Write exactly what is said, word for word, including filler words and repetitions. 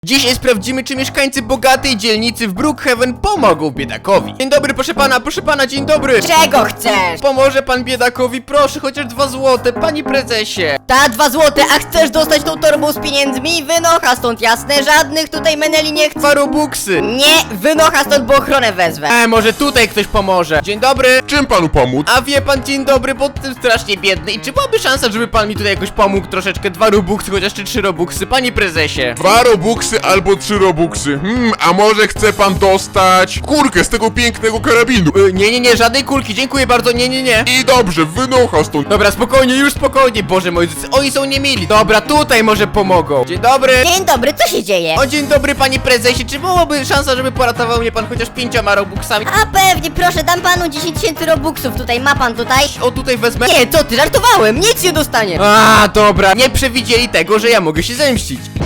Dzisiaj sprawdzimy, czy mieszkańcy bogatej dzielnicy w Brookhaven pomogą biedakowi. Dzień dobry, proszę pana, proszę pana, dzień dobry. Czego chcesz? Pomoże pan biedakowi, proszę, chociaż dwa złote, panie prezesie. Ta dwa złote, a chcesz dostać tą torbą z pieniędzmi? Wynocha stąd, jasne? Żadnych tutaj meneli nie chcę. Dwa robuxy. Nie, wynocha stąd, bo ochronę wezwę. E, może tutaj ktoś pomoże. Dzień dobry. Czym panu pomóc? A wie pan, dzień dobry, bo jestem strasznie biedny. I czy byłaby szansa, żeby pan mi tutaj jakoś pomógł troszeczkę? Dwa robuxy, chociaż czy trzy robuxy, panie prezesie. Dwa robuxy albo trzy robuxy. Hmm, a może chce pan dostać kurkę z tego pięknego karabinu? Y, nie, nie, nie, żadnej kulki, dziękuję bardzo, nie, nie, nie. I dobrze, wynocha stąd. Dobra, spokojnie, już spokojnie, Boże moi drodzy, oni są niemili. Dobra, tutaj może pomogą. Dzień dobry. Dzień dobry, co się dzieje? O, dzień dobry, panie prezesie, czy byłoby szansa, żeby poratował mnie pan chociaż pięcioma robuxami? A pewnie, proszę, dam panu dziesięć tysięcy robuxów tutaj, ma pan tutaj? O, tutaj wezmę. Nie, co ty, żartowałem, nic nie dostaniesz. A, dobra, nie przewidzieli tego, że ja mogę się zemścić.